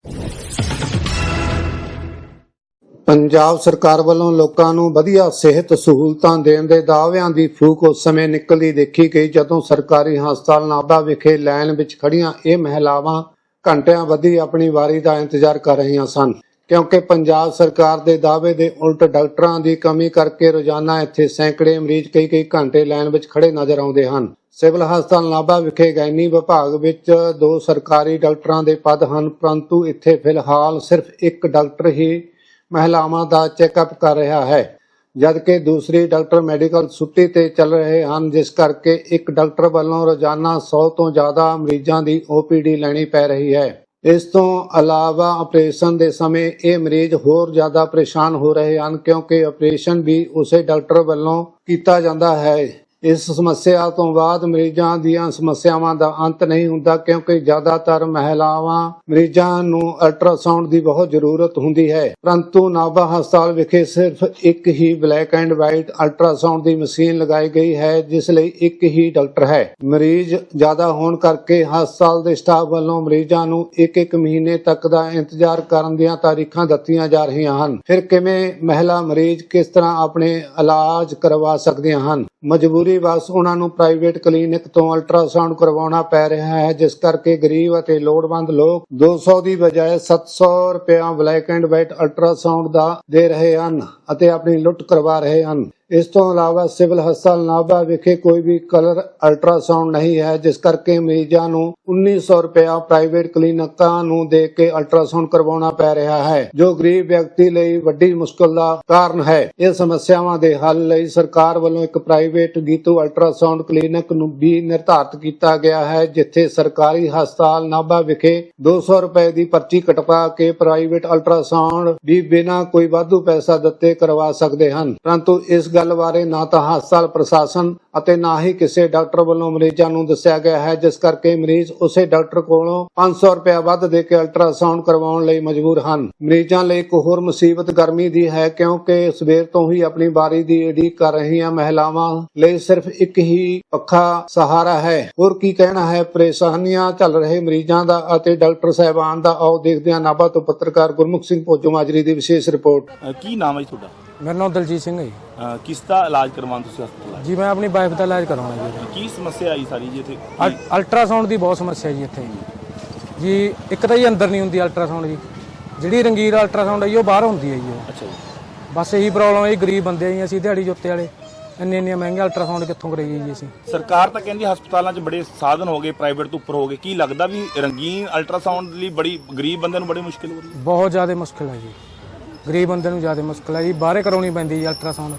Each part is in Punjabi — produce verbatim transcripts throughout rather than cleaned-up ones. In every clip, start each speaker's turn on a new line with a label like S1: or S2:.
S1: ਪੰਜਾਬ ਸਰਕਾਰ ਵੱਲੋਂ ਲੋਕਾਂ ਨੂੰ ਵਧੀਆ ਸਿਹਤ ਸਹੂਲਤਾਂ ਦੇਣ ਦੇ ਦਾਅਵਿਆਂ ਦੀ ਫੂਕ ਉਸ ਸਮੇਂ ਨਿਕਲਦੀ ਦੇਖੀ ਗਈ ਜਦੋਂ ਸਰਕਾਰੀ ਹਸਪਤਾਲ ਨਾਭਾ ਵਿਖੇ ਲਾਈਨ ਵਿੱਚ ਖੜੀਆਂ ਇਹ ਮਹਿਲਾਵਾਂ ਘੰਟਿਆਂ ਬੱਧੀ ਆਪਣੀ ਵਾਰੀ ਦਾ ਇੰਤਜ਼ਾਰ ਕਰ ਰਹੀਆਂ ਸਨ, ਕਿਉਂਕਿ ਪੰਜਾਬ ਸਰਕਾਰ ਦੇ ਦਾਅਵੇ ਦੇ ਉਲਟ ਡਾਕਟਰਾਂ ਦੀ ਕਮੀ ਕਰਕੇ ਰੋਜ਼ਾਨਾ ਇੱਥੇ ਸੈਂਕੜੇ ਮਰੀਜ਼ ਕਈ ਕਈ ਘੰਟੇ ਲਾਈਨ ਵਿੱਚ ਖੜੇ ਨਜ਼ਰ ਆਉਂਦੇ ਹਨ। ਸਿਵਲ ਹਸਪਤਾਲ ਨਾਭਾ ਵਿਖੇ ਗੈਨੀ ਵਿਭਾਗ ਵਿੱਚ ਦੋ ਸਰਕਾਰੀ ਡਾਕਟਰਾਂ ਦੇ ਪਦ ਹਨ, ਪਰੰਤੂ ਇੱਥੇ ਫਿਲਹਾਲ ਸਿਰਫ ਇੱਕ ਡਾਕਟਰ ਹੀ ਮਹਿਲਾਵਾਂ ਦਾ ਚੈੱਕਅਪ ਕਰ ਰਿਹਾ ਹੈ, ਜਦਕਿ ਦੂਸਰੀ ਡਾਕਟਰ ਮੈਡੀਕਲ ਛੁੱਟੀ ਤੇ ਚੱਲ ਰਹੇ ਹਨ, ਜਿਸ ਕਰਕੇ ਇੱਕ ਡਾਕਟਰ ਵੱਲੋਂ ਰੋਜ਼ਾਨਾ ਸੌ ਤੋਂ ਜ਼ਿਆਦਾ ਮਰੀਜ਼ਾਂ ਦੀ ਓ ਪੀ ਡੀ ਲੈਣੀ ਪੈ ਰਹੀ ਹੈ। ਇਸ ਤੋਂ ਇਲਾਵਾ ਆਪਰੇਸ਼ਨ ਦੇ ਸਮੇਂ ਇਹ ਮਰੀਜ਼ ਹੋਰ ਜ਼ਿਆਦਾ ਪਰੇਸ਼ਾਨ ਹੋ ਰਹੇ ਹਨ, ਕਿਉਂਕਿ ਆਪਰੇਸ਼ਨ ਵੀ ਉਸੇ ਡਾਕਟਰ ਵੱਲੋਂ ਕੀਤਾ ਜਾਂਦਾ ਹੈ। ਇਸ ਸਮੱਸਿਆ ਤੋਂ ਬਾਅਦ ਮਰੀਜ਼ਾਂ ਦੀਆਂ ਸਮੱਸਿਆਵਾਂ ਦਾ ਅੰਤ ਨਹੀਂ ਹੁੰਦਾ, ਕਿਉਂਕਿ ਜ਼ਿਆਦਾਤਰ ਮਹਿਲਾਵਾਂ ਮਰੀਜ਼ਾਂ ਨੂੰ ਅਲਟਰਾਸਾਊਂਡ ਦੀ ਬਹੁਤ ਜ਼ਰੂਰਤ ਹੁੰਦੀ ਹੈ, ਪਰੰਤੂ ਨਾਭਾ ਹਸਪਤਾਲ ਵਿਖੇ ਸਿਰਫ ਇੱਕ ਹੀ ਬਲੈਕ ਐਂਡ ਵਾਈਟ ਅਲਟਰਾਸਾਊਂਡ ਦੀ ਮਸ਼ੀਨ ਲਗਾਈ ਗਈ ਹੈ, ਜਿਸ ਲਈ ਇੱਕ ਹੀ ਡਾਕਟਰ ਹੈ। ਮਰੀਜ਼ ਜ਼ਿਆਦਾ ਹੋਣ ਕਰਕੇ ਹਸਪਤਾਲ ਦੇ ਸਟਾਫ ਵੱਲੋਂ ਮਰੀਜ਼ਾਂ ਨੂੰ ਇੱਕ ਇੱਕ ਮਹੀਨੇ ਤੱਕ ਦਾ ਇੰਤਜ਼ਾਰ ਕਰਨ ਦੀਆਂ ਤਾਰੀਖਾਂ ਦਿੱਤੀਆਂ ਜਾ ਰਹੀਆਂ ਹਨ। ਫਿਰ ਕਿਵੇਂ ਮਹਿਲਾ ਮਰੀਜ਼ ਕਿਸ ਤਰ੍ਹਾਂ ਆਪਣੇ ਇਲਾਜ ਕਰਵਾ ਸਕਦੀਆਂ ਹਨ? ਮਜਬੂਰੀ ਬਸ ਉਹਨਾਂ ਨੂੰ ਪ੍ਰਾਈਵੇਟ ਕਲੀਨਿਕ ਤੋਂ ਅਲਟਰਾਸਾਊਂਡ ਕਰਵਾਉਣਾ ਪੈ ਰਿਹਾ ਹੈ, ਜਿਸ ਕਰਕੇ ਗਰੀਬ ਅਤੇ ਲੋੜਵੰਦ ਲੋਕ ਦੋ ਸੌ ਦੀ ਬਜਾਏ ਸੱਤ ਸੌ ਰੁਪਇਆ ਬਲੈਕ ਐਂਡ ਵਾਈਟ ਅਲਟਰਾਸਾਊਂਡ ਦਾ ਦੇ ਰਹੇ ਹਨ ਅਤੇ ਆਪਣੀ ਲੁੱਟ ਕਰਵਾ ਰਹੇ ਹਨ। ਇਸ ਤੋਂ ਇਲਾਵਾ ਸਿਵਲ ਹਸਪਤਾਲ ਨਾਭਾ ਵਿਖੇ ਕੋਈ ਵੀ ਕਲਰ ਅਲਟਰਾਸਾਊਂਡ ਨਹੀਂ ਹੈ, ਜਿਸ ਕਰਕੇ ਮਰੀਜ਼ਾਂ ਨੂੰ ਉੱਨੀ ਸੌ ਰੁਪਇਆ ਪ੍ਰਾਈਵੇਟ ਕਲੀਨਿਕਾਂ ਨੂੰ ਦੇ ਕੇ ਅਲਟਰਾਸਾਊਂਡ ਕਰਵਾਉਣਾ ਪੈ ਰਿਹਾ ਹੈ, ਜੋ ਗਰੀਬ ਵਿਅਕਤੀ ਲਈ ਵੱਡੀ ਮੁਸ਼ਕਲ ਦਾ ਕਾਰਨ ਹੈ। ਇਹ ਸਮੱਸਿਆਵਾਂ ਦੇ ਹੱਲ ਲਈ ਸਰਕਾਰ ਵੱਲੋਂ ਇੱਕ ਪ੍ਰਾਈਵੇਟ ਗੀਤੂ ਅਲਟਰਾਸਾਊਂਡ ਕਲੀਨਿਕ ਨੂੰ ਵੀ ਨਿਰਧਾਰਤ ਕੀਤਾ ਗਿਆ ਹੈ, ਜਿੱਥੇ ਸਰਕਾਰੀ ਹਸਪਤਾਲ ਨਾਭਾ ਵਿਖੇ ਦੋ ਸੌ ਰੁਪਏ ਦੀ ਪਰਚੀ ਕਟਵਾ ਕੇ ਪ੍ਰਾਈਵੇਟ ਅਲਟਰਾਸਾਊਂਡ ਵੀ ਬਿਨਾਂ ਕੋਈ ਵਾਧੂ ਪੈਸਾ ਦਿੱਤੇ ਕਰਵਾ ਸਕਦੇ ਹਨ। ਪਰੰਤੂ ਇਸ ਗੱਲ ਬਾਰੇ ਨਾ ਤਾਂ ਹਸਪਤਾਲ ਪ੍ਰਸ਼ਾਸਨ ਅਤੇ ਨਾ ਹੀ ਕਿਸੇ ਡਾਕਟਰ ਵੱਲੋਂ ਮਰੀਜ਼ਾਂ ਨੂੰ ਦੱਸਿਆ ਗਿਆ ਹੈ, ਜਿਸ ਕਰਕੇ ਮਰੀਜ਼ ਉਸੇ ਡਾਕਟਰ ਕੋਲੋਂ ਪੰਜ ਸੌ ਰੁਪਇਆ ਵੱਧ ਦੇ ਕੇ ਅਲਟਰਾਸਾਊਂਡ ਕਰਵਾਉਣ ਲਈ ਮਜਬੂਰ ਹਨ। ਮਰੀਜ਼ਾਂ ਲਈ ਇੱਕ ਹੋਰ ਮੁਸੀਬਤ ਗਰਮੀ ਦੀ ਹੈ, ਕਿਉਂਕਿ ਸਵੇਰ ਤੋਂ ਹੀ ਆਪਣੀ ਵਾਰੀ ਦੀ ਉਡੀਕ ਕਰ ਰਹੀਆਂ ਮਹਿਲਾਵਾਂ ਲਈ ਸਿਰਫ ਇੱਕ ਹੀ ਪੱਖਾ ਸਹਾਰਾ ਹੈ। ਹੋਰ ਕੀ ਕਹਿਣਾ ਹੈ ਪਰੇਸ਼ਾਨੀਆਂ ਚੱਲ ਰਹੇ ਮਰੀਜ਼ਾਂ ਦਾ ਅਤੇ ਡਾਕਟਰ ਸਾਹਿਬਾਨ ਦਾ, ਆਓ ਦੇਖਦੇ ਹਾਂ। ਨਾਭਾ ਤੋਂ ਪੱਤਰਕਾਰ ਗੁਰਮੁਖ ਸਿੰਘ ਭੋਜੋ ਮਾਜਰੀ ਦੀ ਵਿਸ਼ੇਸ਼ ਰਿਪੋਰਟ।
S2: ਕੀ ਨਾਮ ਹੈ ਜੀ ਤੁਹਾਡਾ?
S3: ਮੇਰਾ ਨਾਮ ਦਲਜੀਤ ਸਿੰਘ ਹੈ ਜੀ।
S2: ਕਿਸ ਦਾ ਇਲਾਜ ਕਰਵਾਉਣ ਤੁਸੀਂ ਹਸਪਤਾਲ?
S3: ਜੀ ਮੈਂ ਆਪਣੀ ਵਾਈਫ ਦਾ ਇਲਾਜ ਕਰਵਾਉਣਾ ਜੀ।
S2: ਕੀ ਸਮੱਸਿਆ ਆਈ ਸਾਰੀ ਜੀ ਇੱਥੇ?
S3: ਅਲਟਰਾਸਾਊਂਡ ਦੀ ਬਹੁਤ ਸਮੱਸਿਆ ਜੀ ਇੱਥੇ ਜੀ। ਇੱਕ ਤਾਂ ਜੀ ਅੰਦਰ ਨਹੀਂ ਹੁੰਦੀ ਅਲਟਰਾਸਾਊਂਡ ਜੀ, ਜਿਹੜੀ ਰੰਗੀਰ ਅਲਟਰਾਸਾਊਂਡ ਹੈ ਜੀ ਉਹ ਬਾਹਰ ਹੁੰਦੀ ਹੈ ਜੀ।
S2: ਅੱਛਾ ਜੀ।
S3: ਬਸ ਇਹੀ ਪ੍ਰੋਬਲਮ ਹੈ ਜੀ, ਗਰੀਬ ਬੰਦੇ ਆ ਜੀ ਅਸੀਂ, ਦਿਹਾੜੀ ਜੋਤੇ ਵਾਲੇ, ਇੰਨੇ ਇੰਨੇ ਮਹਿੰਗੇ ਅਲਟਰਾਸਾਊਂਡ ਕਿੱਥੋਂ ਕਰਾਈਏ ਜੀ ਅਸੀਂ।
S2: ਸਰਕਾਰ ਤਾਂ ਕਹਿੰਦੀ ਹਸਪਤਾਲਾਂ 'ਚ ਬੜੇ ਸਾਧਨ ਹੋ ਗਏ, ਪ੍ਰਾਈਵੇਟ ਤੋਂ ਉੱਪਰ ਹੋ ਗਏ, ਕੀ ਲੱਗਦਾ ਵੀ ਰੰਗੀਨ ਅਲਟਰਾਸਾਊਂਡ ਲਈ ਬੜੀ ਗਰੀਬ ਬੰਦੇ ਨੂੰ ਬੜੀ ਮੁਸ਼ਕਿਲ ਹੋ ਰਹੀ ਹੈ?
S3: ਬਹੁਤ ਜ਼ਿਆਦਾ ਮੁਸ਼ਕਿਲ ਹੈ ਜੀ, ਗਰੀਬ ਬੰਦੇ ਨੂੰ ਜ਼ਿਆਦਾ ਮੁਸ਼ਕਿਲ ਹੈ ਜੀ, ਬਾਹਰੇ ਕਰਾਉਣੀ ਪੈਂਦੀ ਜੀ ਅਲਟਰਾਸਾਊਂਡ।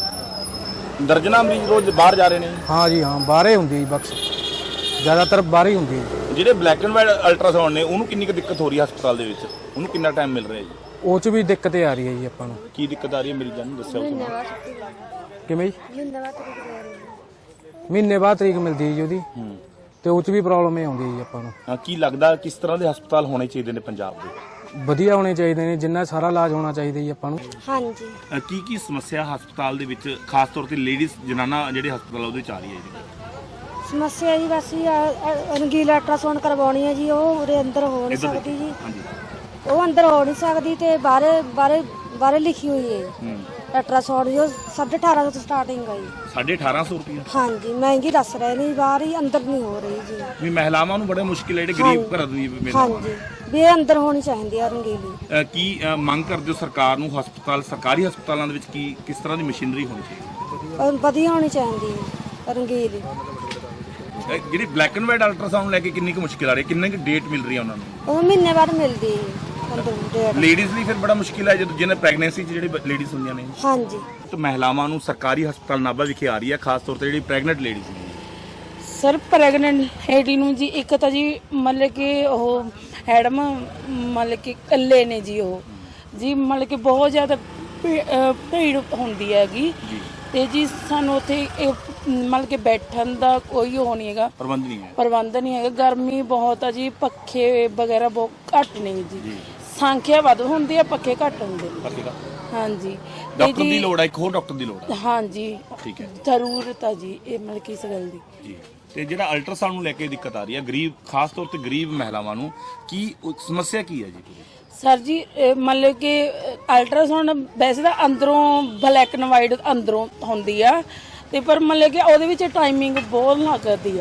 S2: ਦਰਜਨਾਂ ਮਰੀਜ਼ ਰੋਜ਼ ਬਾਹਰ ਜਾ ਰਹੇ ਨੇ?
S3: ਹਾਂ ਜੀ ਹਾਂ, ਬਾਹਰੇ ਹੁੰਦੀ ਜੀ, ਬਕਸ ਜ਼ਿਆਦਾਤਰ ਬਾਹਰ ਹੀ ਹੁੰਦੀ ਹੈ।
S2: ਜਿਹੜੇ ਬਲੈਕ ਐਂਡ ਵਾਈਟ ਅਲਟਰਾਸਾਊਂਡ ਨੇ ਉਹਨੂੰ ਕਿੰਨੀ ਕੁ ਦਿੱਕਤ ਹੋ ਰਹੀ ਹੈ ਹਸਪਤਾਲ ਦੇ ਵਿੱਚ? ਉਹਨੂੰ ਕਿੰਨਾ ਟਾਈਮ ਮਿਲ ਰਿਹਾ ਜੀ?
S3: ਉਹ 'ਚ ਵੀ ਦਿੱਕਤ ਆ ਰਹੀ ਹੈ ਜੀ ਆਪਾਂ ਨੂੰ।
S2: ਕੀ ਦਿੱਕਤ ਆ ਰਹੀ ਹੈ ਮਰੀਜ਼ਾਂ ਨੂੰ ਦੱਸਿਓ।
S3: ਕਿਵੇਂ ਜੀ? ਮਹੀਨੇ ਬਾਅਦ ਤਰੀਕ ਮਿਲਦੀ ਹੈ ਜੀ ਉਹਦੀ, ਤੇ ਉਹ 'ਚ ਵੀ ਪ੍ਰੋਬਲਮ ਇਹ ਆਉਂਦੀ ਹੈ ਜੀ ਆਪਾਂ ਨੂੰ।
S2: ਕੀ ਲੱਗਦਾ ਕਿਸ ਤਰ੍ਹਾਂ ਦੇ ਹਸਪਤਾਲ ਹੋਣੇ ਚਾਹੀਦੇ ਨੇ ਪੰਜਾਬ ਦੇ?
S3: ਵਧੀਆ ਹੋਣੇ ਚਾਹੀਦੇ ਨੇ, ਜਿੰਨਾ ਸਾਰਾ ਇਲਾਜ ਹੋਣਾ ਚਾਹੀਦਾ ਜੀ ਆਪਾਂ ਨੂੰ।
S4: ਹਾਂਜੀ।
S2: ਕੀ ਕੀ ਸਮੱਸਿਆ ਹਸਪਤਾਲ ਦੇ ਵਿੱਚ ਖਾਸ ਤੌਰ ਤੇ ਲੇਡੀਜ਼ ਜਨਾਨਾ ਜਿਹੜੇ ਹਸਪਤਾਲ ਉਹਦੇ ਚ ਆ ਰਹੀ ਹੈ ਜੀ?
S4: ਸਮੱਸਿਆ ਜੀ ਬਸ ਇਹ ਰੰਗੀਲਾ ਅਲਟਰਾਸਾਊਂਡ ਕਰਵਾਉਣੀ ਹੈ ਜੀ, ਉਹ ਉਰੇ ਅੰਦਰ ਹੋ ਨਹੀਂ ਸਕਦੀ ਜੀ। ਉਹ ਅੰਦਰ ਹੋ ਨਹੀਂ ਸਕਦੀ ਤੇ ਬਾਹਰੇ ਬਾਹਰੇ ਬਾਹਰੇ ਲਿਖੀ ਹੋਈ ਹੈ ਅਲਟਰਾਸਾਊਂਡ ਜੋ ਸਾਢੇ ਅਠਾਰਾਂ ਸੌ ਤੋਂ ਸਟਾਰਟਿੰਗ ਹੈ ਜੀ।
S2: ਸਾਢੇ ਅਠਾਰਾਂ ਸੌ ਰੁਪਏ?
S4: ਹਾਂਜੀ, ਮਹਿੰਗੀ ਦੱਸ ਰਹੇ ਨੇ, ਬਾਹਰ ਹੀ ਅੰਦਰ ਨਹੀਂ ਹੋ ਰਹੀ ਜੀ।
S2: ਵੀ ਮਹਿਲਾਵਾਂ ਨੂੰ ਬੜੇ ਮੁਸ਼ਕਿਲ ਹੈ ਜਿਹੜੇ ਗਰੀਬ ਘਰਾਂ ਦੀ।
S4: ਹਾਂਜੀ, ਵੀ ਇਹ ਅੰਦਰ ਹੋਣੀ ਚਾਹੀਦੀ ਹੈ ਰੰਗੀਲੀ।
S2: ਕੀ ਮੰਗ ਕਰਦੇ ਹੋ ਸਰਕਾਰ ਨੂੰ? ਹਸਪਤਾਲ ਸਰਕਾਰੀ ਹਸਪਤਾਲਾਂ ਦੇ ਵਿੱਚ ਕੀ ਕਿਸ ਤਰ੍ਹਾਂ ਦੀ ਮਸ਼ੀਨਰੀ ਹੋਣੀ ਚਾਹੀਦੀ?
S4: ਵਧੀਆ ਹੋਣੀ ਚਾਹੀਦੀ ਹੈ ਰੰਗੀਲੀ।
S2: ਜਿਹੜੀ ਬਲੈਕ ਐਂਡ ਵਾਈਟ ਅਲਟਰਾਸਾਊਂਡ ਲੈ ਕੇ ਕਿੰਨੀ ਕੁ ਮੁਸ਼ਕਿਲ ਆ ਰਹੀ ਹੈ? ਕਿੰਨੀ ਕੁ ਡੇਟ ਮਿਲ ਰਹੀ ਹੈ ਉਹਨਾਂ ਨੂੰ?
S4: ਉਹ ਮਹੀਨੇ ਬਾਅਦ ਮਿਲਦੀ ਹੈ।
S2: ਲੇਡੀਜ਼ ਲਈ ਫਿਰ ਬੜਾ ਮੁਸ਼ਕਿਲ ਹੈ ਜਦੋਂ ਜਿਹਨੇ ਪ੍ਰੈਗਨੈਂਸੀ ਚ ਜਿਹੜੇ ਲੇਡੀਜ਼ ਹੁੰਦੀਆਂ ਨੇ।
S4: ਹਾਂਜੀ।
S2: ਤਾਂ ਮਹਿਲਾਵਾਂ ਨੂੰ ਸਰਕਾਰੀ ਹਸਪਤਾਲ ਨਾਭਾ ਵਿਖੇ ਆ ਰਹੀ ਹੈ, ਖਾਸ ਤੌਰ ਤੇ ਜਿਹੜੀ ਪ੍ਰੈਗਨੈਂਟ ਲੇਡੀਜ਼ ਨੇ।
S5: ਸਰ ਪ੍ਰੈਗਨੈਂਟ ਲੇਡੀ ਨੂੰ ਜੀ ਇੱਕ ਤਾਂ ਜੀ ਮਤਲਬ ਕਿ ਉਹ ਹੈਡਮ ਮਤਲਬ ਕਿ ਇਕੱਲੇ ਨੇ ਜੀ, ਉਹ ਜੀ ਮਤਲਬ ਕਿ ਬਹੁਤ ਜ਼ਿਆਦਾ ਭੀੜ ਹੁੰਦੀ ਹੈਗੀ ਤੇ ਜੀ ਸਾਨੂੰ ਉੱਥੇ ਮਤਲਬ ਕਿ ਬੈਠਣ ਦਾ ਕੋਈ ਉਹ ਨਹੀਂ ਹੈਗਾ,
S2: ਪ੍ਰਬੰਧ ਨਹੀਂ ਹੈ
S5: ਪ੍ਰਬੰਧ ਨਹੀਂ ਹੈਗਾ। ਗਰਮੀ ਬਹੁਤ ਆ ਜੀ, ਪੱਖੇ ਵਗੈਰਾ ਬਹੁਤ ਘੱਟ ਨੇ ਜੀ, ਸੰਖਿਆ ਵੱਧ ਹੁੰਦੀ ਹੈ, ਪੱਖੇ ਘੱਟ ਹੁੰਦੇ ਨੇ। ਹਾਂਜੀ,
S2: ਡਾਕਟਰ ਦੀ ਲੋੜ ਹੈ, ਇੱਕ ਹੋਰ ਡਾਕਟਰ ਦੀ ਲੋੜ ਹੈ।
S5: ਹਾਂਜੀ
S2: ਠੀਕ ਹੈ,
S5: ਜ਼ਰੂਰਤ ਆ ਜੀ ਇਹ ਮਤਲਬ ਕਿ ਇਸ ਗੱਲ ਦੀ ਜੀ।
S2: ਤੇ ਜਿਹੜਾ ਅਲਟਰਾਸਾਊਂਡ ਨੂੰ ਲੈ ਕੇ ਦਿੱਕਤ ਆ ਰਹੀ ਹੈ ਗਰੀਬ ਖਾਸ ਤੌਰ ਤੇ ਗਰੀਬ ਮਹਿਲਾਵਾਂ ਨੂੰ ਕੀ ਉਹ ਸਮੱਸਿਆ ਕੀ ਹੈ ਜੀ?
S5: ਸਰ ਜੀ ਇਹ ਮਤਲਬ ਕਿ ਅਲਟਰਾਸਾਊਂਡ ਵੈਸੇ ਤਾਂ ਅੰਦਰੋਂ ਬਲੈਕ ਐਂਡ ਵਾਈਟ ਅੰਦਰੋਂ ਹੁੰਦੀ ਆ ਤੇ ਪਰ ਮਤਲਬ ਕਿ ਉਹਦੇ ਵਿੱਚ ਟਾਈਮਿੰਗ ਬਹੁਤ ਲੱਗਦੀ ਆ।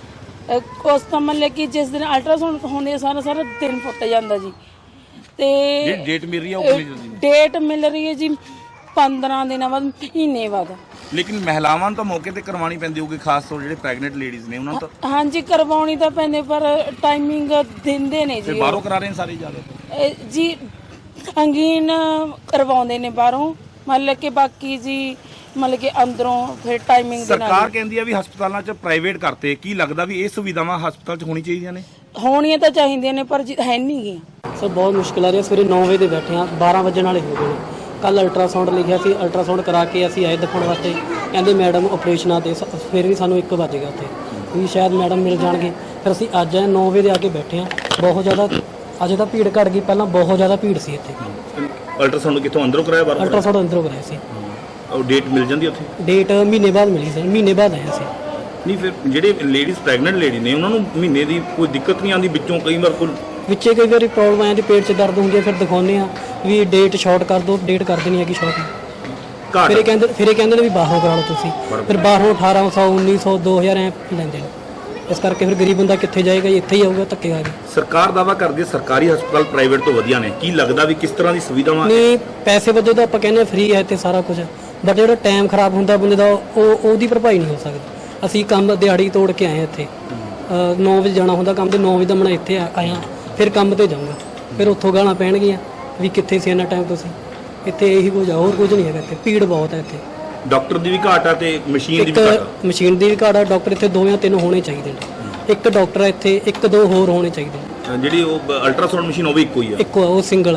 S5: ਅਹ ਉਸ ਤਾਂ ਮਤਲਬ ਕਿ ਜਿਸ ਦਿਨ ਅਲਟਰਾਸਾਊਂਡ ਹੁੰਦੀ ਆ ਸਾਰਾ ਸਾਰਾ ਦਿਨ ਫੁੱਟ ਜਾਂਦਾ ਜੀ। ਤੇ
S2: ਜਿਹੜੀ ਡੇਟ ਮਿਲ ਰਹੀ ਹੈ ਉਹ ਕਿੰਨੀ ਜਲਦੀ?
S5: ਡੇਟ ਮਿਲ ਰਹੀ ਹੈ ਜੀ ਪੰਦਰਾਂ ਦਿਨਾਂ ਬਾਅਦ, ਮਹੀਨੇ ਬਾਅਦ।
S2: ਲੇਕਿਨ ਮਹਿਲਾਵਾਂ ਨੂੰ ਤਾਂ ਮੌਕੇ ਤੇ ਕਰਵਾਉਣੀ ਪੈਂਦੀ ਹੋਊਗੀ, ਖਾਸ ਤੌਰ ਜਿਹੜੇ ਪ੍ਰੈਗਨੈਂਟ ਲੇਡੀਜ਼ ਨੇ ਉਹਨਾਂ ਨੂੰ ਤਾਂ
S5: ਹਾਂਜੀ ਕਰਵਾਉਣੀ ਤਾਂ ਪੈਂਦੇ ਪਰ ਟਾਈਮਿੰਗ ਦਿੰਦੇ ਨੇ
S2: ਤੇ
S5: ਜੀ
S2: ਬਾਹਰੋਂ ਕਰਾ ਰਹੇ ਨੇ ਸਾਰੇ ਜ਼ਿਆਦਾ।
S5: ਇਹ ਜੀ ਅੰਗੀਨ ਕਰਵਾਉਂਦੇ ਨੇ ਬਾਹਰੋਂ, ਮਤਲਬ ਕਿ ਬਾਕੀ ਜੀ ਮਤਲਬ ਕਿ ਅੰਦਰੋਂ ਫਿਰ ਟਾਈਮਿੰਗ ਦੇ ਨਾਲ
S2: ਸਰਕਾਰ ਕਹਿੰਦੀ ਆ ਵੀ ਹਸਪਤਾਲਾਂ 'ਚ ਪ੍ਰਾਈਵੇਟ ਕਰਤੇ, ਕੀ ਲੱਗਦਾ ਵੀ ਇਹ ਸੁਵਿਧਾਵਾਂ ਹਸਪਤਾਲ 'ਚ ਹੋਣੀ ਚਾਹੀਦੀਆਂ ਨੇ?
S5: ਹੋਣੀਆਂ ਤਾਂ ਚਾਹੀਦੀਆਂ ਨੇ ਪਰ ਜੀ ਹੈ ਨਹੀਂ ਗੀਆਂ।
S6: ਸਰ ਬਹੁਤ ਮੁਸ਼ਕਿਲ ਆ ਰਹੀ ਹੈ। ਸਵੇਰੇ ਨੌ ਵਜੇ ਦੇ ਬੈਠੇ ਆ, ਬਾਰਾਂ ਵਜਣ ਵਾਲੇ ਹੋ ਗਏ ਨੇ। ਕੱਲ ਅਲਟਰਾਸਾਊਂਡ ਲਿਖਿਆ ਸੀ, ਅਲਟਰਾਸਾਊਂਡ ਕਰਾ ਕੇ ਅਸੀਂ ਆਏ ਦਿਖਾਉਣ ਵਾਸਤੇ, ਕਹਿੰਦੇ ਮੈਡਮ ਆਪਰੇਸ਼ਨਾਂ ਤੇ ਸ- ਫਿਰ ਵੀ ਸਾਨੂੰ ਇੱਕ ਵੱਜ ਗਿਆ ਉੱਥੇ ਵੀ ਸ਼ਾਇਦ ਮੈਡਮ ਮਿਲ ਜਾਣਗੇ। ਫਿਰ ਅਸੀਂ ਅੱਜ ਆਏ ਨੌ ਵਜੇ ਦੇ ਆ ਕੇ ਬੈਠੇ ਆ। ਬਹੁਤ ਜ਼ਿਆਦਾ ਅੱਜ ਤਾਂ ਭੀੜ ਘਟ ਗਈ, ਪਹਿਲਾਂ ਬਹੁਤ ਜ਼ਿਆਦਾ ਭੀੜ ਸੀ ਇੱਥੇ।
S2: ਅਲਟਰਾਸਾਊਂਡ ਕਿੱਥੋਂ ਅੰਦਰੋਂ ਕਰਾਇਆ ਬਾਹਰੋਂ?
S6: ਅਲਟਰਾਸਾਊਂਡ ਅੰਦਰੋਂ ਕਰਾਇਆ ਸੀ।
S2: ਉਹ ਡੇਟ ਮਿਲ ਜਾਂਦੀ ਉੱਥੇ?
S6: ਡੇਟ ਮਹੀਨੇ ਬਾਅਦ ਮਿਲੀ ਸੀ, ਮਹੀਨੇ ਬਾਅਦ ਆਇਆ ਸੀ।
S2: ਨਹੀਂ ਫਿਰ ਜਿਹੜੇ ਲੇਡੀਜ਼ ਪ੍ਰੈਗਨੈਂਟ ਲੇਡੀ ਨੇ ਉਹਨਾਂ ਨੂੰ ਮਹੀਨੇ ਦੀ ਕੋਈ ਦਿੱਕਤ ਨਹੀਂ ਆਉਂਦੀ ਵਿੱਚੋਂ? ਕਈ ਵਾਰ ਕੋਈ
S6: ਵਿੱਚੇ ਕਈ ਵਾਰੀ ਪ੍ਰੋਬਲਮ ਆ ਜਾਂਦੀ, ਪੇਟ 'ਚ ਦਰਦ ਹੁੰਦੀ ਹੈ, ਫਿਰ ਦਿਖਾਉਂਦੇ ਆ ਵੀ ਡੇਟ ਸ਼ਾਰਟ ਕਰ ਦਿਓ, ਡੇਟ ਕਰ ਦੇਣੀ ਹੈਗੀ ਸ਼ਾਰਟ।
S2: ਘਾਟ
S6: ਫਿਰ ਇਹ ਕਹਿੰਦੇ ਫਿਰ ਇਹ ਕਹਿੰਦੇ ਨੇ ਵੀ ਬਾਹਰੋਂ ਕਰਾ ਲਓ ਤੁਸੀਂ, ਫਿਰ ਬਾਹਰੋਂ ਅਠਾਰਾਂ ਸੌ ਉੱਨੀ ਸੌ ਦੋ ਹਜ਼ਾਰ ਐ ਲੈਂਦੇ ਨੇ। ਇਸ ਕਰਕੇ ਫਿਰ ਗਰੀਬ ਬੰਦਾ ਕਿੱਥੇ ਜਾਏਗਾ ਜੀ, ਇੱਥੇ ਹੀ ਆਊਗਾ ਧੱਕੇ ਖਾ ਕੇ।
S2: ਸਰਕਾਰ ਦਾਵਾ ਕਰਦੀ ਹੈ ਸਰਕਾਰੀ ਹਸਪਤਾਲ ਪ੍ਰਾਈਵੇਟ ਤੋਂ ਵਧੀਆ ਨੇ, ਕੀ ਲੱਗਦਾ ਵੀ ਕਿਸ ਤਰ੍ਹਾਂ ਦੀ ਸੁਵਿਧਾਵਾਂ?
S6: ਨਹੀਂ ਪੈਸੇ ਵਜੋਂ ਤਾਂ ਆਪਾਂ ਕਹਿੰਦੇ ਫ੍ਰੀ ਹੈ ਤੇ ਸਾਰਾ ਕੁਝ, ਬਟ ਜਿਹੜਾ ਟਾਈਮ ਖਰਾਬ ਹੁੰਦਾ ਬੰਦੇ ਦਾ ਉਹ ਉਹਦੀ ਭਰਪਾਈ ਨਹੀਂ ਹੋ ਸਕਦੀ। ਅਸੀਂ ਕੰਮ ਦਿਹਾੜੀ ਤੋੜ ਕੇ ਆਏ ਇੱਥੇ, ਨੌ ਵਜੇ ਜਾਣਾ ਹੁੰਦਾ ਕੰਮ ਤੇ, ਨੌ ਵਜੇ ਦਾ ਮੈਂ ਇੱਥੇ ਆ- ਆਇਆ ਫਿਰ ਕੰਮ ਤੇ ਜਾਊਂਗਾ, ਫਿਰ ਉੱਥੋਂ ਗਾਲਾਂ ਪੈਣਗੀਆਂ ਵੀ ਕਿੱਥੇ ਸੀ ਇੰਨਾ ਟਾਈਮ ਤੁਸੀਂ। ਇੱਥੇ ਇਹੀ ਕੁਝ ਆ, ਹੋਰ ਕੁਝ ਨਹੀਂ ਹੈਗਾ ਇੱਥੇ। ਭੀੜ ਬਹੁਤ ਹੈ ਇੱਥੇ,
S2: ਡਾਕਟਰ ਦੀ ਵੀ ਘਾਟ ਆ ਤੇ ਮਸ਼ੀਨ ਦੀ
S6: ਇੱਕ
S2: ਵੀ ਘਾਟ ਆ।
S6: ਮਸ਼ੀਨ ਦੀ ਵੀ ਘਾਟ ਆ। ਡਾਕਟਰ ਇੱਥੇ ਦੋ ਜਾਂ ਤਿੰਨ ਹੋਣੇ ਚਾਹੀਦੇ ਨੇ। ਇੱਕ ਡਾਕਟਰ ਹੈ ਇੱਥੇ, ਇੱਕ ਦੋ ਹੋਰ ਹੋਣੇ ਚਾਹੀਦੇ ਨੇ।
S2: ਜਿਹੜੀ ਉਹ ਅਲਟਰਾਸਾਊਂਡ ਮਸ਼ੀਨ ਉਹ ਵੀ ਇੱਕੋ ਹੀ ਆ।
S6: ਇੱਕੋ ਆ, ਉਹ ਸਿੰਗਲ ਆ।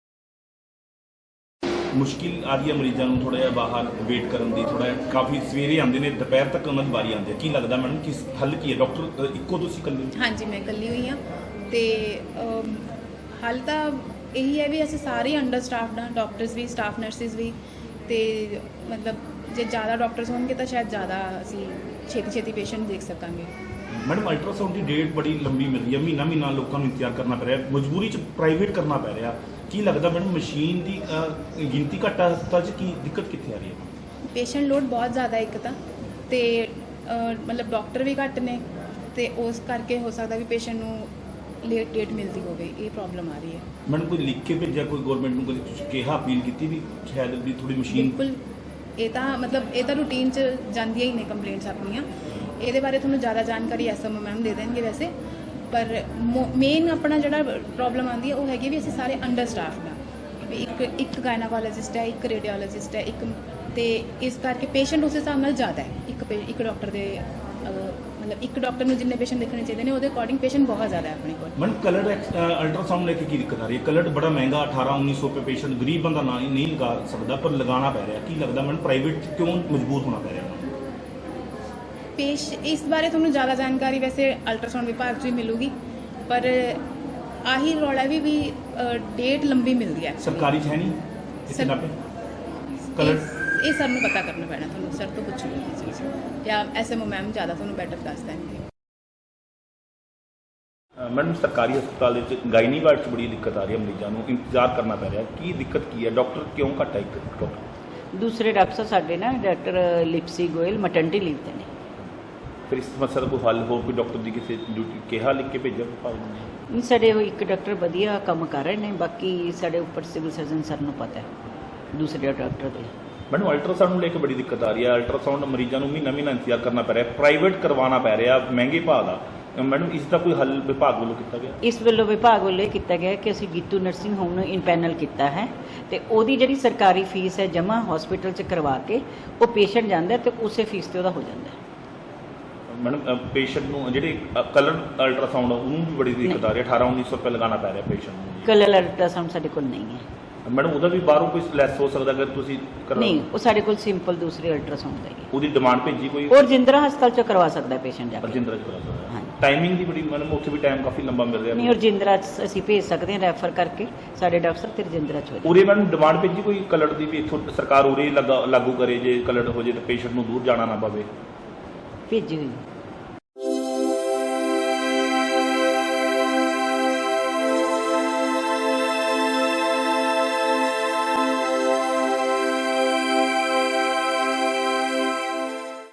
S2: ਮੁਸ਼ਕਿਲ ਆ ਰਹੀ ਹੈ ਮਰੀਜ਼ਾਂ ਨੂੰ ਥੋੜਾ ਜਿਹਾ ਬਾਹਰ ਵੇਟ ਕਰਨ ਦੀ, ਥੋੜਾ ਜਿਹਾ ਕਾਫੀ ਸਵੇਰੇ ਆਉਂਦੇ ਨੇ ਦੁਪਹਿਰ ਤੱਕ ਉਹਨਾਂ ਦੀ ਵਾਰੀ ਆਉਂਦੀ ਹੈ। ਕੀ ਲੱਗਦਾ ਮੈਡਮ ਕਿਸ ਹੱਲ ਕੀ ਹੈ? ਡਾਕਟਰ ਇੱਕੋ ਤੁਸੀਂ ਇਕੱਲੇ ਹੋ?
S7: ਹਾਂਜੀ ਮੈਂ ਇਕੱਲੀ ਹੋਈ ਹਾਂ ਤੇ ਅਮ, ਹੱਲ ਤਾਂ ਇਹੀ ਹੈ ਵੀ ਅਸੀਂ ਸਾਰੇ ਅੰਡਰ ਸਟਾਫਡ ਹਾਂ, ਡਾਕਟਰਸ ਵੀ, ਸਟਾਫ ਨਰਸਿਸ ਵੀ। ਤੇ ਮਤਲਬ ਜੇ ਜ਼ਿਆਦਾ ਡਾਕਟਰਸ ਹੋਣਗੇ ਤਾਂ ਸ਼ਾਇਦ ਜ਼ਿਆਦਾ ਅਸੀਂ ਛੇਤੀ ਛੇਤੀ ਪੇਸ਼ੈਂਟ ਦੇਖ ਸਕਾਂਗੇ।
S2: ਮੈਡਮ ਅਲਟਰਾਸਾਊਂਡ ਦੀ ਡੇਟ ਬੜੀ ਲੰਬੀ ਮਿਲ ਰਹੀ ਹੈ, ਮਹੀਨਾ ਮਹੀਨਾ ਲੋਕਾਂ ਨੂੰ ਇੰਤਜ਼ਾਰ ਕਰਨਾ ਪੈ ਰਿਹਾ, ਮਜਬੂਰੀ 'ਚ ਪ੍ਰਾਈਵੇਟ ਕਰਨਾ ਪੈ ਰਿਹਾ। ਕੀ ਲੱਗਦਾ ਮੈਡਮ ਮਸ਼ੀਨ ਦੀ ਅਹ, ਗਿਣਤੀ ਘੱਟ ਆ ਹਸਪਤਾਲ 'ਚ, ਕੀ ਦਿੱਕਤ ਕਿੱਥੇ ਆ ਰਹੀ ਹੈ?
S7: ਪੇਸ਼ੈਂਟ ਲੋਡ ਬਹੁਤ ਜ਼ਿਆਦਾ ਇੱਕ ਤਾਂ ਤੇ ਅ, ਮਤਲਬ ਡਾਕਟਰ ਵੀ ਘੱਟ ਨੇ ਤੇ ਉਸ ਕਰਕੇ ਹੋ ਸਕਦਾ ਵੀ ਪੇਸ਼ੈਂਟ ਨੂੰ ਲੇਟ ਡੇਟ ਮਿਲਦੀ ਹੋਵੇ, ਇਹ ਪ੍ਰੋਬਲਮ ਆ ਰਹੀ ਹੈ।
S2: ਮੈਡਮ ਕੋਈ ਲਿਖ ਕੇ ਭੇਜਿਆ ਕੋਈ ਗਵਰਨਮੈਂਟ ਨੂੰ, ਕਦੇ ਤੁਸੀਂ ਕਿਹਾ ਅਪੀਲ ਕੀਤੀ ਵੀ ਸ਼ਾਇਦ ਵੀ ਥੋੜੀ ਮਸ਼ੀਨ?
S7: ਬਿਲਕੁਲ, ਇਹ ਤਾਂ ਮਤਲਬ ਇਹ ਤਾਂ ਰੂਟੀਨ 'ਚ ਜਾਂਦੀਆਂ ਹੀ ਨੇ ਕੰਪਲੇਂਟਸ ਆਪਣੀਆਂ। ਇਹਦੇ ਬਾਰੇ ਤੁਹਾਨੂੰ ਜ਼ਿਆਦਾ ਜਾਣਕਾਰੀ ਐਸਐਮਓ ਮੈਮ ਦੇ ਦੇਣਗੇ ਵੈਸੇ, ਪਰ ਮੇਨ ਆਪਣਾ ਜਿਹੜਾ ਪ੍ਰੋਬਲਮ ਆਉਂਦੀ ਹੈ ਉਹ ਹੈਗੀ ਵੀ ਅਸੀਂ ਸਾਰੇ ਅੰਡਰ ਸਟਾਫਡ ਹਾਂ ਵੀ ਇੱਕ ਇੱਕ ਗਾਇਨਾਕੋਲੋਜਿਸਟ ਹੈ, ਇੱਕ ਰੇਡੀਓਲੋਜਿਸਟ ਹੈ, ਇੱਕ ਤੇ ਇਸ ਕਰਕੇ ਪੇਸ਼ੈਂਟ ਉਸ ਹਿਸਾਬ ਨਾਲ ਜ਼ਿਆਦਾ ਹੈ। ਇੱਕ ਪੇ- ਇੱਕ ਡਾਕਟਰ ਦੇ ਅਹ, ਮਤਲਬ ਇੱਕ ਡਾਕਟਰ ਨੂੰ ਜਿੰਨੇ ਪੇਸ਼ੈਂਟ ਦੇਖਣੇ ਚਾਹੀਦੇ ਨੇ ਉਹਦੇ ਅਕੋਰਡਿੰਗ ਪੇਸ਼ੈਂਟ ਬਹੁਤ ਜ਼ਿਆਦਾ ਹੈ ਆਪਣੇ ਕੋਲ।
S2: ਮੈਡਮ ਕਲਰ ਅਲਟਰਾਸਾਊਂਡ ਲੈ ਕੇ ਕੀ ਦਿੱਕਤ ਆ ਰਹੀ ਹੈ? ਕਲਰ ਬੜਾ ਮਹਿੰਗਾ ਅਠਾਰਾਂ ਉੱਨੀ ਸੌ ਰੁਪਏ ਪੇਸ਼ੈਂਟ ਗਰੀਬ ਬੰਦਾ ਨਾ ਨਹੀਂ ਲਗਾ ਸਕਦਾ, ਪਰ ਲਗਾਉਣਾ ਪੈ ਰਿਹਾ। ਕੀ ਲੱਗਦਾ ਮੈਡਮ ਪ੍ਰਾਈਵੇਟ ਕਿਉਂ ਮਜਬੂਰ ਹੋਣਾ ਪੈ ਰਿਹਾ?
S7: ਪੇਸ਼ ਇਸ ਬਾਰੇ ਤੁਹਾਨੂੰ ਜ਼ਿਆਦਾ ਜਾਣਕਾਰੀ ਵੈਸੇ ਅਲਟਰਾਸਾਊਂਡ ਵਿਭਾਗ 'ਚ ਵੀ ਮਿਲੂਗੀ, ਪਰ ਆਹੀ ਰੌਲਾ ਵੀ ਵੀ ਅ, ਡੇਟ ਲੰਬੀ ਮਿਲਦੀ ਹੈ।
S2: ਸਰਕਾਰੀ 'ਚ ਹੈ ਨਹੀਂ
S7: ਸਰ-
S2: ਇਤਨਾ ਪੇ ਕਲਰ
S7: ਇਹ- ਇਹ ਸਰ ਨੂੰ ਪਤਾ ਕਰਨਾ ਪੈਣਾ, ਤੁਹਾਨੂੰ ਸਰ ਤੋਂ ਪੁੱਛੂਗੀ ਇਹ ਚੀਜ਼, ਜਾਂ ਐਸਐਮਓ ਮੈਮ ਜ਼ਿਆਦਾ ਤੁਹਾਨੂੰ ਬੈਟਰ ਦੱਸ ਦੇਣਗੇ।
S2: ਮੈਡਮ ਸਰਕਾਰੀ ਹਸਪਤਾਲ ਦੇ ਵਿੱਚ ਗਾਇਨੀ ਵਾਰਡ 'ਚ ਬੜੀ ਦਿੱਕਤ ਆ ਰਹੀ ਹੈ, ਮਰੀਜ਼ਾਂ ਨੂੰ ਇੰਤਜ਼ਾਰ ਕਰਨਾ ਪੈ ਰਿਹਾ। ਕੀ ਦਿੱਕਤ ਕੀ ਹੈ? ਡਾਕਟਰ ਕਿਉਂ ਘੱਟ ਹੈ? ਇੱਕ ਡਾਕਟਰ
S8: ਦੂਸਰੇ ਡਾਕਟਰ ਸਾਹਿਬ ਸਾਡੇ ਨਾ doctor Lipsi Goyal maternity leave ਤੇ ਨੇ।
S2: ਫਿਰ ਇਸ ਸਮੱਸਿਆ ਦਾ ਕੋਈ ਹੱਲ ਹੋਰ ਕੋਈ ਡਾਕਟਰ ਦੀ ਕਿਸੇ ਡਿਊਟੀ ਕਿਹਾ ਲਿਖ ਕੇ ਭੇਜਿਆ ਵਿਭਾਗ ਨੂੰ?
S8: ਨਹੀਂ, ਸਾਡੇ ਉਹ ਇੱਕ ਡਾਕਟਰ ਵਧੀਆ ਕੰਮ ਕਰ ਰਹੇ ਨੇ, ਬਾਕੀ ਸਾਡੇ ਉੱਪਰ ਸਿਵਲ ਸਰਜਨ ਸਰ ਨੂੰ ਪਤਾ ਹੈ ਦੂਸਰੇ ਡਾਕਟਰ ਦੇ।
S2: ਮੈਨੂੰ ਅਲਟਰਾਸਾਊਂਡ ਨੂੰ ਲੈ ਕੇ ਬੜੀ ਦਿੱਕਤ ਆ ਰਹੀ ਹੈ। ਅਲਟਰਾਸਾਊਂਡ ਮਰੀਜ਼ਾਂ ਨੂੰ ਮਹੀਨਾ ਮਹੀਨਾ ਇੰਤਜ਼ਾਰ ਕਰਨਾ ਪੈ ਰਿਹਾ, ਪ੍ਰਾਈਵੇਟ ਕਰਵਾਉਣਾ ਪੈ ਰਿਹਾ ਮਹਿੰਗੇ ਭਾਅ ਦਾ। ਮੈਡਮ ਇਸ ਦਾ ਕੋਈ ਹੱਲ ਵਿਭਾਗ ਵੱਲੋਂ ਕੀਤਾ ਗਿਆ?
S8: ਇਸ ਵੱਲੋਂ ਵਿਭਾਗ ਵੱਲੋਂ ਇਹ ਕੀਤਾ ਗਿਆ ਕਿ ਅਸੀਂ ਗੀਤੂ ਨਰਸਿੰਗ ਹੋਮ ਨੂੰ ਇਨਪੈਨਲ ਕੀਤਾ ਹੈ ਤੇ ਉਹਦੀ ਜਿਹੜੀ ਸਰਕਾਰੀ ਫੀਸ ਹੈ ਜਮ੍ਹਾਂ ਹਸਪੀਟਲ 'ਚ ਕਰਵਾ ਕੇ ਉਹ ਪੇਸ਼ੈਂਟ ਜਾਂਦਾ ਤੇ ਉਸੇ ਫੀਸ ਤੇ ਉਹਦਾ ਹੋ ਜਾਂਦਾ ਹੈ।
S2: ਮੈਡਮ ਪੇਸ਼ੈਂਟ ਨੂੰ ਜਿਹੜੇ ਕਲਰ ਅਲਟਰਾਸਾਊਂਡ ਉਹਨੂੰ ਵੀ ਬੜੀ ਦਿੱਕਤ ਆ ਰਹੀ ਹੈ, ਅਠਾਰਾਂ ਉੱਨੀ ਸੌ ਰੁਪਏ ਲਗਾਉਣਾ ਪੈ ਰਿਹਾ ਪੇਸ਼ੈਂਟ ਨੂੰ।
S8: ਕਲਰ ਅਲਟਰਾਸਾਊਂਡ ਸਾਡੇ ਕੋਲ ਨਹੀਂ ਹੈ।
S2: ਮੈਡਮ ਉਹਦਾ ਵੀ ਬਾਹਰੋਂ ਕੋਈ ਲੈਸ ਹੋ ਸਕਦਾ ਅਗਰ ਤੁਸੀਂ ਕਰਾ?
S8: ਨਹੀਂ, ਉਹ ਸਾਡੇ ਕੋਲ ਸਿੰਪਲ ਦੂਸਰੇ ਅਲਟਰਾਸਾਊਂਡ ਦਾ ਹੀ ਹੈ।
S2: ਉਹਦੀ ਡਿਮਾਂਡ ਭੇਜੀ ਕੋਈ?
S8: ਔਰ ਰਜਿੰਦਰਾ ਹਸਪਤਾਲ 'ਚ ਕਰਵਾ ਸਕਦਾ ਪੇਸ਼ੈਂਟ ਜਾ ਕੇ।
S2: ਰਜਿੰਦਰਾ ਚ ਕਰਾ ਸਕਦਾ?
S8: ਹਾਂਜੀ।
S2: ਟਾਈਮਿੰਗ ਦੀ ਬੜੀ ਮੈਡਮ ਉੱਥੇ ਵੀ ਟਾਈਮ ਕਾਫੀ ਲੰਬਾ ਮਿਲ ਰਿਹਾ।
S8: ਨਹੀਂ, ਰਜਿੰਦਰਾ 'ਚ ਅਸੀਂ ਭੇਜ ਸਕਦੇ ਹਾਂ ਰੈਫਰ ਕਰਕੇ, ਸਾਡੇ ਡਾਕਟਰ ਤੇ ਰਜਿੰਦਰਾ 'ਚ ਹੋ ਜਾਏ।
S2: ਉਰੇ ਮੈਡਮ ਡਿਮਾਂਡ ਭੇਜੀ ਕੋਈ ਕਲਰ ਦੀ ਵੀ ਇੱਥੋਂ ਸਰਕਾਰ ਉਰੇ ਲਗਾ ਲਾਗੂ ਕਰੇ, ਜੇ ਕਲਰ ਹੋ ਜੇ ਤਾਂ ਪੇਸ਼ੈਂਟ ਨੂੰ ਦੂਰ ਜਾਣਾ ਨਾ ਪਵੇ?
S8: ਭੇਜੀ ਹੋਈ